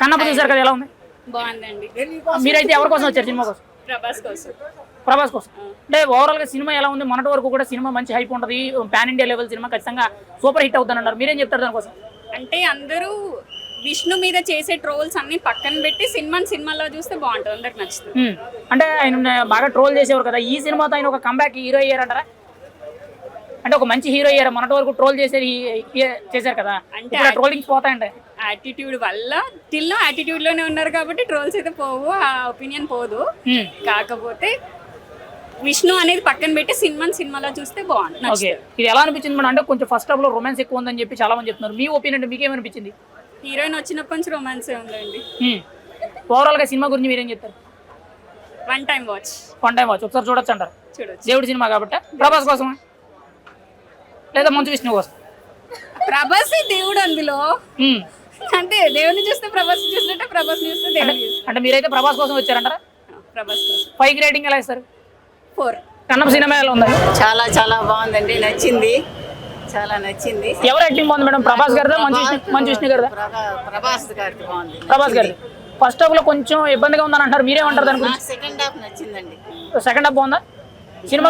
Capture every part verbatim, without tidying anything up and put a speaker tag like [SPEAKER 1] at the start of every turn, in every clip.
[SPEAKER 1] కన్నప్ప చూసారు కదా, ఎలా ఉంది?
[SPEAKER 2] బాగుందండి.
[SPEAKER 1] మీరైతే ఎవరి కోసం వచ్చారు సినిమా కోసం?
[SPEAKER 2] ప్రభాస్ కోసం.
[SPEAKER 1] ప్రభాస్ కోసం. అంటే ఓవరాల్ గా సినిమా ఎలా ఉంది? మొన్నటి వరకు కూడా సినిమా మంచి హైప్ ఉంటుంది, పాన్ ఇండియా లెవెల్ సినిమా ఖచ్చితంగా సూపర్ హిట్ అవుతానన్నారు. మీరేం చెప్తారు దానికోసం?
[SPEAKER 2] అంటే అందరూ విష్ణు మీద చేసే ట్రోల్స్ అన్ని పక్కన పెట్టి సినిమాని సినిమాలో చూస్తే బాగుంటుంది, అందరికి నచ్చుతుంది.
[SPEAKER 1] అంటే ఆయన బాగా ట్రోల్ చేసేవారు కదా, ఈ సినిమాతో ఆయన ఒక కంబ్యాక్ హీరో అయ్యారంటారా? అంటే ఒక మంచి హీరో అయ్యారు, మొన్నటి వరకు ట్రోల్ చేసేది చేశారు కదా, అంటే ట్రోలింగ్స్ పోతాయంటే
[SPEAKER 2] యాటిట్యూడ్ వల్ల టిల్ యాటిట్యూడ్ లోనే ఉన్నారు కాబట్టి ట్రోల్స్ అయితే పోవు, ఆ ఒపీనియన్ పోదు. కాకపోతే విష్ణు అనేది పక్కన పెట్టి సినిమాని సినిమాలో చూస్తే బాగుంటుంది.
[SPEAKER 1] ఇది ఎలా అనిపించింది మేడం? అంటే కొంచెం ఫస్ట్ హాఫ్ లో రొమాన్స్ ఎక్కువ ఉందని చెప్పి చాలా మంది చెప్తున్నారు, మీ ఒపీనియన్ మీకేమనిపించింది?
[SPEAKER 2] హీరోయిన్ వచ్చినప్పటి నుంచి రొమాన్స్ ఉందండి.
[SPEAKER 1] ఓవరాల్ గా సినిమా గురించి మీరేం చెప్తారు?
[SPEAKER 2] One time watch.
[SPEAKER 1] One time watch ఒకసారి చూడొచ్చు అంటారు.
[SPEAKER 2] చూడొచ్చు.
[SPEAKER 1] దేవుడి సినిమా కాబట్టి ప్రభాస్ కోసం లేదా మంచు విష్ణు కోసం?
[SPEAKER 2] ప్రభాస్ దేవుడు అందులో, అంటే దేవుని చూస్తే ప్రభాస్ చూసినట్టే, ప్రభాస్ చూస్తే దేవుని.
[SPEAKER 1] అంటే మీరైతే ప్రభాస్ కోసం వచ్చారంటారా?
[SPEAKER 2] ప్రభాస్ కోసం.
[SPEAKER 1] ఫైవ్ రేటింగ్ ఎలా ఇస్తారు?
[SPEAKER 2] ఫోర్.
[SPEAKER 1] కన్నప్ప సినిమా ఎలా ఉంది?
[SPEAKER 3] చాలా చాలా బాగుందండి, నచ్చింది, చాలా నచ్చింది.
[SPEAKER 1] ఎవరు యాక్టింగ్ బాగుంది మేడం? ప్రభాస్ గారిదా మంచు విష్ణు గారిదా?
[SPEAKER 3] ప్రభాస్ గారికి బాగుంది.
[SPEAKER 1] ప్రభాస్ గారి ఫస్ట్ హాఫ్ లో కొంచెం ఇబ్బందిగా ఉందని అంటారు, మీరేమంటారు దాని గురించి?
[SPEAKER 3] సెకండ్ హాఫ్ నచ్చిందండి.
[SPEAKER 1] సెకండ్ హాఫ్ బాగుందా? సినిమా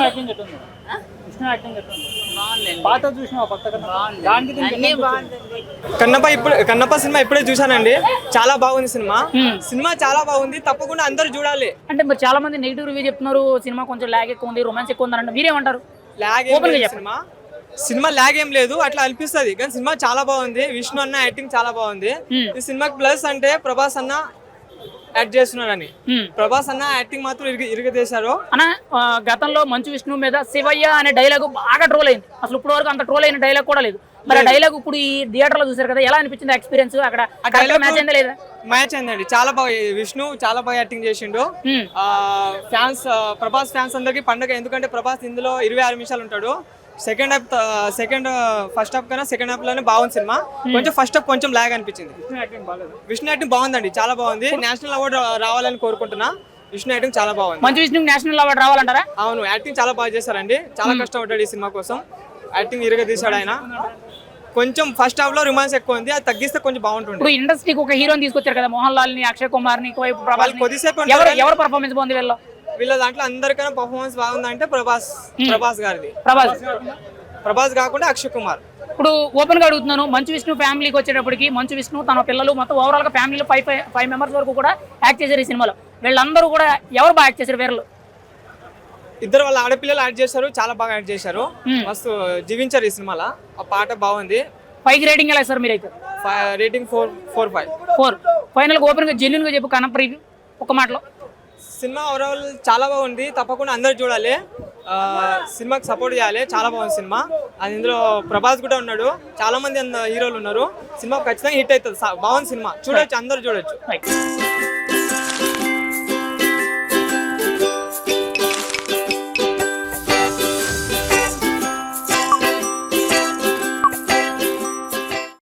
[SPEAKER 4] కన్నప్ప ఇప్పుడు కన్నప్ప సినిమా ఇప్పుడే చూసానండి, చాలా బాగుంది సినిమా. సినిమా చాలా బాగుంది, తప్పకుండా అందరూ చూడాలి.
[SPEAKER 1] అంటే మరి చాలా మంది నెగిటివ్ రివ్యూ చెప్తున్నారు, సినిమా కొంచెం లాగ్ ఎక్కువ ఉంది, రొమాన్స్ ఎక్కువ ఉంది అంటే మీరేమంటారు?
[SPEAKER 4] లాగ్ సినిమా సినిమా లాగ్ ఏం లేదు, అట్లా అనిపిస్తుంది, కానీ సినిమా చాలా బాగుంది. విష్ణు అన్న యాక్టింగ్ చాలా బాగుంది. ఈ సినిమాకి ప్లస్ అంటే ప్రభాస్ అన్న యాక్ట్ చేస్తున్నాడని. ప్రభాస్ అన్న యాక్టింగ్ మాత్రం ఇరగదీశారు
[SPEAKER 1] అన్న. గతంలో మంచు విష్ణు మీద శివయ్య అనే డైలాగ్ బాగా ట్రోల్ అయింది, అసలు ఇప్పుడు వరకు అంత ట్రోల్ అయిన డైలాగ్ కూడా లేదు. మరి ఆ డైలాగ్ ఇప్పుడు ఈ థియేటర్ లో చూసారు కదా, ఎలా అనిపించింది ఎక్స్పీరియన్స్? అక్కడ మ్యాచ్ అయిందా లేదా?
[SPEAKER 4] మ్యాచ్ అయిందండి, చాలా బాగా. విష్ణు చాలా బాగా యాక్టింగ్ చేసిండు. ఫ్యాన్స్, ప్రభాస్ ఫ్యాన్స్ అందరికి పండుగ, ఎందుకంటే ప్రభాస్ ఇందులో ఇరవై ఆరు నిమిషాలు ఉంటాడు. Second half second first half కన్నా సెకండ్ హాఫ్ లోనే బాగుంది సినిమా. కొంచెం ఫస్ట్ హాఫ్ కొంచెం లాగ్ అనిపించింది. విష్ణు యాక్టింగ్ బాగుందండి, చాలా బాగుంది. నేషనల్ అవార్డు రావాలని కోరుకుంటున్నా. విష్ణు యాక్టింగ్ చాలా బాగుంది.
[SPEAKER 1] మంచు విష్ణు నేషనల్ అవార్డు రావాలంటారా?
[SPEAKER 4] అవును, యాక్టింగ్ చాలా బాగా చేశారండి, చాలా కష్టపడ్డాడు ఈ సినిమా కోసం. యాక్టింగ్ ఇరగదీశాడు ఆయన. కొంచెం ఫస్ట్ హాఫ్ లో రొమాన్స్ ఎక్కువ ఉంది, అది తగ్గిస్తే కొంచెం బాగుంటుంది.
[SPEAKER 1] ఇప్పుడు ఇండస్ట్రీకి ఒక హీరోని తీసుకొచ్చారు కదా, మోహన్ లాల్ ని, అక్షయ్ కుమార్ ని, ప్రభాస్.
[SPEAKER 4] కొద్దిసేపు
[SPEAKER 1] ఎవరు పర్ఫార్మెన్స్ బాగుంది వీళ్ళలో?
[SPEAKER 4] వీళ్ళ దాంట్లో అందరికన్నా పర్ఫార్మెన్స్ బాగుందంటే ప్రభాస్ ప్రభాస్ గారిది.
[SPEAKER 1] ప్రభాస్
[SPEAKER 4] ప్రభాస్ కాకుండా అక్షయ్ కుమార్.
[SPEAKER 1] ఇప్పుడు ఓపెన్ గా అడుగుతున్నాను, మంచు విష్ణు ఫ్యామిలీకి వచ్చేటప్పటికి మంచు విష్ణు తన పిల్లలు మొత్తం ఓవరాల్ గా ఫ్యామిలీలో ఫైవ్ ఫైవ్ మెంబర్స్ వరకు కూడా యాక్ట్ చేశారు ఈ సినిమాలో. వీళ్ళందరూ కూడా ఎవరు బాగా యాక్ట్ చేశారు? వీళ్ళు
[SPEAKER 4] ఇద్దరు వాళ్ళ ఆడపిల్లలు యాక్ట్ చేశారు, చాలా బాగా యాక్ట్ చేశారు, మస్తు జీవించారు ఈ సినిమాలో. ఆ పాట బాగుంది.
[SPEAKER 1] ఫైవ్ రేటింగ్ ఎలా ఇస్తారు మీరైతే?
[SPEAKER 4] Rating four four five
[SPEAKER 1] four final గా ఓపెన్ గా జెన్యూన్ గా చెప్పు కన్నప్ప రివ్యూ ఒక మాటలో.
[SPEAKER 4] సినిమా ఓవరాల్ చాలా బాగుంది, తప్పకుండా అందరు చూడాలి, సినిమాకి సపోర్ట్ చేయాలి. చాలా బాగుంది సినిమా. అది ఇందులో ప్రభాస్ కూడా ఉన్నాడు, చాలా మంది హీరోలు ఉన్నారు. సినిమా ఖచ్చితంగా హిట్ అవుతుంది, బాగుంది సినిమా, చూడొచ్చు, అందరు చూడొచ్చు.